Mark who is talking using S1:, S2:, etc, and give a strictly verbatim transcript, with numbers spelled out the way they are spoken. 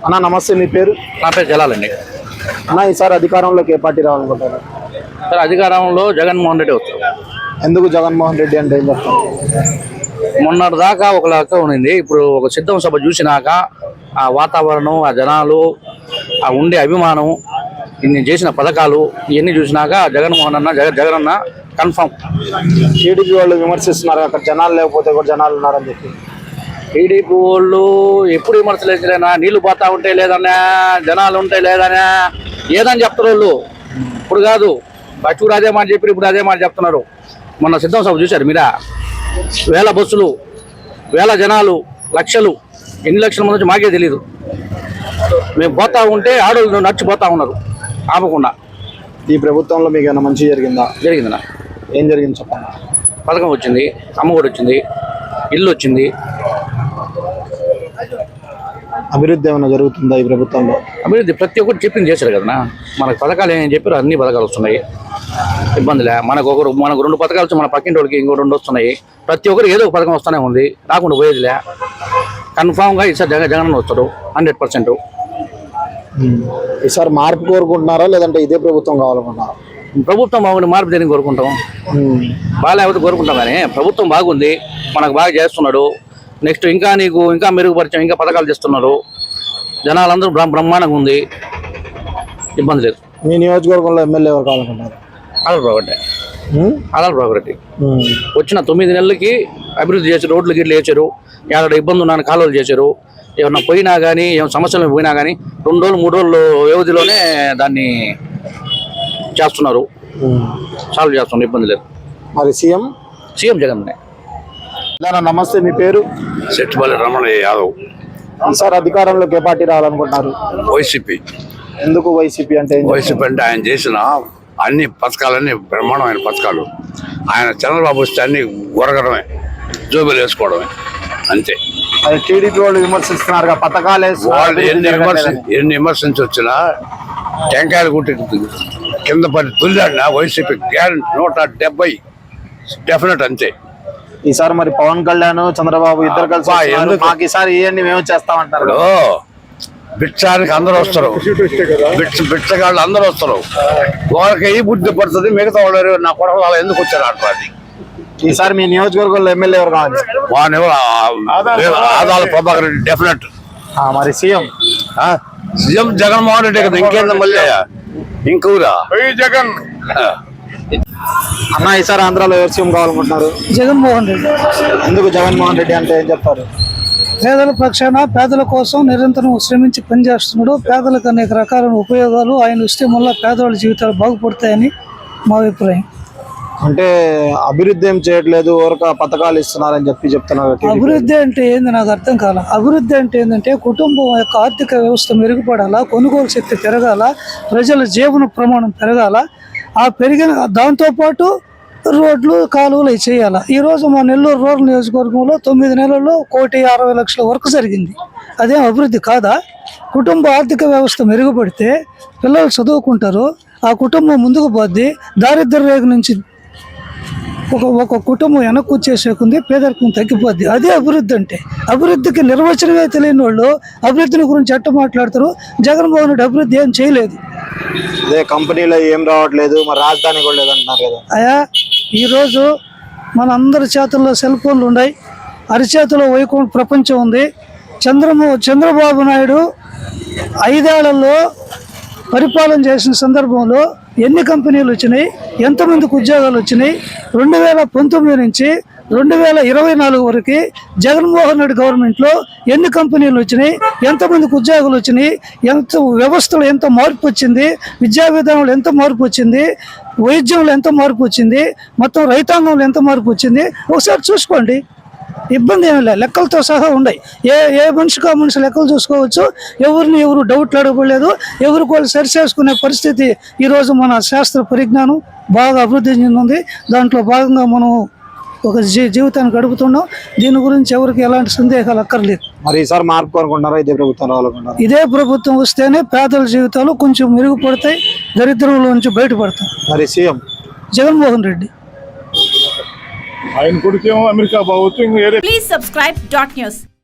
S1: అన్న నమస్తే, మీ పేరు?
S2: నా పేరు జలాలండి.
S1: అన్న ఈసారి అధికారంలోకి ఏ పార్టీ రావాలనుకుంటారు?
S2: సార్ అధికారంలో జగన్మోహన్ రెడ్డి వస్తారు.
S1: ఎందుకు జగన్మోహన్ రెడ్డి అంటే ఏం చెప్తారు?
S2: మొన్నటి దాకా ఒక లెక్క ఉన్నింది. ఇప్పుడు ఒక సిద్ధం సభ చూసినాక ఆ వాతావరణం, ఆ జనాలు, ఆ ఉండే అభిమానం, ఇన్ని చేసిన పథకాలు ఇవన్నీ చూసినాక జగన్మోహన్ అన్న జగ జగన్ అన్న కన్ఫామ్.
S1: టీడీపీ వాళ్ళు విమర్శిస్తున్నారు అక్కడ జనాలు లేకపోతే కూడా జనాలు ఉన్నారని చెప్పి.
S2: టీడీపీ వాళ్ళు ఎప్పుడు విమర్శలు వేసినా నీళ్లు పోతా ఉంటే లేదన్నా, జనాలు ఉంటే లేదన్నా, ఏదని చెప్తారు వాళ్ళు. ఇప్పుడు కాదు, ఫస్ట్ కూడా అదే మాట చెప్పి ఇప్పుడు అదే మాట చెప్తున్నారు. మొన్న సిద్ధం సభ చూశారు మీరా? వేల బస్సులు, వేల జనాలు, లక్షలు, ఎన్ని లక్షల మంది నుంచి మాకే తెలియదు. మేము పోతా ఉంటే ఆడోళ్ళు నడిచిపోతా ఉన్నారు ఆపకుండా.
S1: ఈ ప్రభుత్వంలో మీకు ఏమైనా మంచి జరిగిందా?
S2: జరిగిందన్నా.
S1: ఏం జరిగింది చెప్పండి.
S2: పథకం వచ్చింది, అమ్మఒడి వచ్చింది, ఇల్లు వచ్చింది.
S1: అభివృద్ధి ఏమైనా జరుగుతుందా ఈ ప్రభుత్వంలో?
S2: అభివృద్ధి ప్రతి ఒక్కటి చెప్పింది చేశారు కదన్నా. మనకు పథకాలు ఏమని చెప్పారు, అన్ని పథకాలు వస్తున్నాయి. ఇబ్బందిలే. మనకు ఒకరు మనకు రెండు పథకాలు వచ్చి మన పక్కింటి వాళ్ళకి ఇంకో రెండు వస్తున్నాయి. ప్రతి ఒక్కరు ఏదో ఒక పథకం వస్తూనే ఉంది, రాకుండా పోయేదిలే. కన్ఫామ్గా ఈసారి జగన్ జగన్ వస్తారు హండ్రెడ్ పర్సెంట్.
S1: ఈసారి మార్పు కోరుకుంటున్నారా లేదంటే ఇదే ప్రభుత్వం కావాలనుకుంటున్నారా?
S2: ప్రభుత్వం బాగుంది, మార్పు దేనికి కోరుకుంటాం? బాగాలేకపోతే కోరుకుంటాం. కానీ ప్రభుత్వం బాగుంది, మనకు బాగా చేస్తున్నాడు. నెక్స్ట్ ఇంకా నీకు ఇంకా మెరుగుపరిచాం, ఇంకా పథకాలు చేస్తున్నారు. జనాలందరూ బ్రహ్మాండంగా ఉంది, ఇబ్బంది లేదు.
S1: మీ నియోజకవర్గంలో ఎమ్మెల్యే ఎవరు కావాలనుకుంటున్నారు?
S2: ఆదాల ప్రభారెడ్డి. ఆదాల ప్రభారెడ్డి వచ్చిన తొమ్మిది నెలలకి అభివృద్ధి చేశారు, రోడ్లు గిడ్లు వేసారు, ఎక్కడ ఇబ్బంది ఉన్నాను కాలువలు చేశారు. ఏమన్నా పోయినా కానీ, ఏమైనా సమస్యలు పోయినా కానీ రెండు రోజులు మూడు రోజులు వ్యవధిలోనే దాన్ని చేస్తున్నారు, సాల్వ్ చేస్తున్నారు, ఇబ్బంది లేదు.
S1: మరి సీఎం
S2: సీఎం జగన్.
S1: నమస్తే, మీ పేరు?
S3: సెట్టిపల్లి రమణయ్య యాదవ్.
S1: ఈసారి అధికారంలోకి ఏ పార్టీ రావాలనుకుంటున్నారు?
S3: వైసీపీ.
S1: ఎందుకు వైసీపీ అంటే?
S3: వైసీపీ అంటే ఆయన చేసిన అన్ని పథకాలన్నీ బ్రహ్మాండమైన పథకాలు. ఆయన చంద్రబాబు వస్తే అన్ని గొరగడమే, జోబులు వేసుకోవడమే, అంతే.
S1: అది టీడీపీ వాళ్ళు విమర్శిస్తున్నారు పథకాలు
S3: వాళ్ళు ఎన్ని విమర్శ ఎన్ని విమర్శించి వచ్చినా టెంకాయలు కుట్టి కింద పడి తుల్లాడినా వైసీపీ గ్యారెంటీ నూట డెబ్బై డెఫినెట్, అంతే.
S1: ఈసారి మరి పవన్ కళ్యాణ్ చంద్రబాబు ఇద్దరు కలిసి మాకు ఈసారి ఇవన్నీ మేము చేస్తామంటారు.
S3: బిక్షానికి అందరూ వస్తారు, బిచ్చ బిచ్చగాళ్ళు అందరూ వస్తారు. వాళ్ళకి ఈ బుద్ధి పడుతుంది, మిగతా వాళ్ళు నా కొరకు వాళ్ళు ఎందుకు వచ్చారు అంటారు.
S1: ఈసారి మీ నియోజకవర్గంలో ఎమ్మెల్యే ఎవరు కావాలి?
S3: ఆదాల ప్రభాకర్ రెడ్డి డెఫినెట్.
S1: మరి సీఎం?
S3: సీఎం జగన్మోహన్ రెడ్డి కదా, ఇంకేందా మళ్ళీ ఇంకూరా జగన్.
S1: అన్న ఈసారి ఆంధ్రాలో ఎవరు సీఎం కావాలనుకుంటున్నారు?
S4: జగన్మోహన్ రెడ్డి.
S1: ఎందుకు జగన్మోహన్ రెడ్డి అంటే ఏం చెప్తారు?
S4: పేదల పక్షాన పేదల కోసం నిరంతరం శ్రమించి పనిచేస్తున్నాడు. పేదలకు అనేక రకాలైన ఉపయోగాలు ఆయన ఇస్తే మళ్ళీ పేదవాళ్ళ జీవితాలు బాగుపడతాయని మా అభిప్రాయం.
S1: అంటే అభివృద్ధి ఏం చేయట్లేదు, ఊరక పథకాలు ఇస్తున్నారని చెప్పి చెప్తున్నారు.
S4: అభివృద్ధి అంటే ఏంది నాకు అర్థం కాల. అభివృద్ధి అంటే ఏంటంటే కుటుంబం యొక్క ఆర్థిక వ్యవస్థ మెరుగుపడాలా, కొనుగోలు శక్తి పెరగాల, ప్రజల జీవన ప్రమాణం పెరగాల. ఆ పెరిగిన దాంతోపాటు రోడ్లు కాలువలు అవి చేయాలి. ఈరోజు మా నెల్లూరు రూరల్ నియోజకవర్గంలో తొమ్మిది నెలల్లో కోటి అరవై లక్షల వరకు జరిగింది. అదేం అభివృద్ధి కాదా? కుటుంబ ఆర్థిక వ్యవస్థ మెరుగుపడితే పిల్లలు చదువుకుంటారు, ఆ కుటుంబం ముందుకు పోద్ది. దారిద్ర్య రేఖ నుంచి ఒక ఒక కుటుంబం వెనక్కి వచ్చేసేకుంది, పేదరికం తగ్గిపోద్ది. అదే అభివృద్ధి అంటే. అభివృద్ధికి నిర్వచనమే తెలియని వాళ్ళు అభివృద్ధిని గురించి ఎట్ట మాట్లాడతారు? జగన్మోహన్ రెడ్డి అభివృద్ధి ఏం చేయలేదు.
S1: అదే కంపెనీలో ఏం రావట్లేదు, మరి రాజధాని కూడా లేదంటున్నారు కదా.
S4: అయా ఈరోజు మన అందరి చేతుల్లో సెల్ ఫోన్లు ఉన్నాయి, అరిచేతిలో వైకుంఠ ప్రపంచం ఉంది. చంద్రమో చంద్రబాబు నాయుడు ఐదేళ్లలో పరిపాలన చేసిన సందర్భంలో ఎన్ని కంపెనీలు వచ్చినాయి, ఎంతమందికి ఉద్యోగాలు వచ్చినాయి? రెండు వేల పంతొమ్మిది నుంచి రెండు వేల ఇరవై నాలుగు వరకు జగన్మోహన్ రెడ్డి గవర్నమెంట్లో ఎన్ని కంపెనీలు వచ్చినాయి, ఎంతమందికి ఉద్యోగాలు వచ్చినాయి, ఎంత వ్యవస్థలో ఎంత మార్పు వచ్చింది, విద్యా విధానంలో ఎంత మార్పు వచ్చింది, వైద్యంలో ఎంత మార్పు వచ్చింది, మొత్తం రైతాంగంలో ఎంత మార్పు వచ్చింది ఒకసారి చూసుకోండి. ఇబ్బంది ఏమి లేదు, లెక్కలతో సహా ఉన్నాయి. ఏ ఏ మనిషికి ఆ మనిషి లెక్కలు చూసుకోవచ్చు. ఎవరిని ఎవరు డౌట్లు అడగలేదు, ఎవరికి వాళ్ళు సరిచేసుకునే పరిస్థితి ఈరోజు మన శాస్త్ర పరిజ్ఞానం బాగా అభివృద్ధి చెందింది. దాంట్లో భాగంగా మనం ఒక జీ జీవితాన్ని గడుపుతున్నాం. దీని గురించి ఎవరికి ఎలాంటి సందేహాలు అక్కర్లేదు.
S1: మరి ఈసారి మార్పు కోరుకుంటున్నారా ఇదే ప్రభుత్వం రావాలనుకుంటున్నారా?
S4: ఇదే ప్రభుత్వం వస్తేనే పేదల జీవితాలు కొంచెం మెరుగుపడతాయి, దరిద్రంలో నుంచి బయటపడతాయి.
S1: మరి సీఎం
S4: జగన్మోహన్ రెడ్డి.
S5: ఆయన కొడుకేమో అమెరికా బావచ్చు.
S6: Please subscribe dot news.